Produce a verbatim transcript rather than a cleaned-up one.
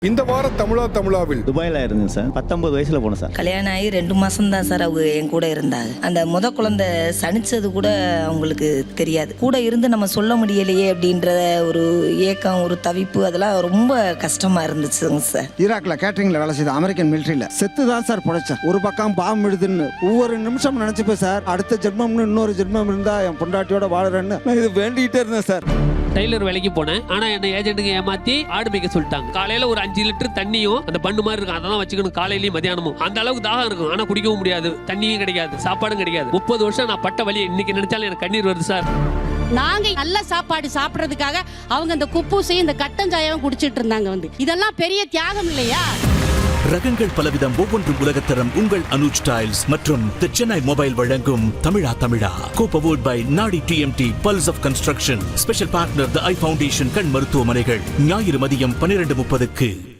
இந்த வார தமிழா தமிழாவில் துபாயில் இருந்தேன் சார். பத்தொன்பது வயசுல போனேன் சார். கல்யாணம் ஆகி ரெண்டு மாசம் தான் சார் அவங்க என் கூட இருந்தாங்க. அந்த முத குழந்தை சனிச்சது கூட அவங்களுக்கு தெரியாது. கூட இருந்து நம்ம சொல்ல முடியலையே அப்படின்ற ஒரு ஏக்கம், ஒரு தவிப்பு, அதெல்லாம் ரொம்ப கஷ்டமா இருந்துச்சுங்க சார். ஈராக்ல கேட்டரிங்ல வேலை செய்த அமெரிக்கன் மிலிட்டரியில செத்து தான் சார் பொழைச்சேன். ஒரு பக்கம் பாம்பு விடுதுன்னு ஒவ்வொரு நிமிஷம் நினைச்சுப்பேன் சார். அடுத்த ஜென்மம்னு இன்னொரு ஜென்மம் இருந்தா என் பொண்டாட்டியோட வாழறேன்னு நான் இது வேண்டிகிட்டே இருந்தேன் சார். டெய்லர் வேலைக்கு போனேன். ஆனா என்ன ஏஜென்ட்டுக்கு ஏமாத்தி ஆடு மேய்க்க சொல்லிட்டாங்க. காலையில ஒரு அஞ்சு லிட்டர் தண்ணியும் அந்த பண்ணு மாதிரி இருக்கும், அதெல்லாம் வச்சுக்கணும் காலையிலயும் மதியானமும். அந்த அளவுக்கு தாகம் இருக்கும், ஆனா குடிக்கவும் முடியாது, தண்ணியும் கிடைக்காது, சாப்பாடும் கிடைக்காது. முப்பது வருஷம் நான் பட்ட வலி இன்னைக்கு நினைச்சாலும் எனக்கு கண்ணீர் வருது சார். நாங்க நல்ல சாப்பாடு சாப்பிடறதுக்காக அவங்க இந்த குப்பூசையும் இந்த கட்டஞ்சாயாவும் குடிச்சிட்டு இருந்தாங்க. வந்து இதெல்லாம் பெரிய தியாகம் இல்லையா? ரகங்கள் பலவிதம், ஒவ்வொன்றும் உலகத்தரம். உங்கள் அனுஜ் டைல்ஸ் மற்றும் தி சென்னை மொபைல் வழங்கும் தமிழா தமிழா. கோபவோட் by Nadi TMT, pulse of construction. Special partner the eye foundation கண் மருத்துவமனைகள். ஞாயிறு மதியம் பன்னிரண்டு முப்பதுக்கு.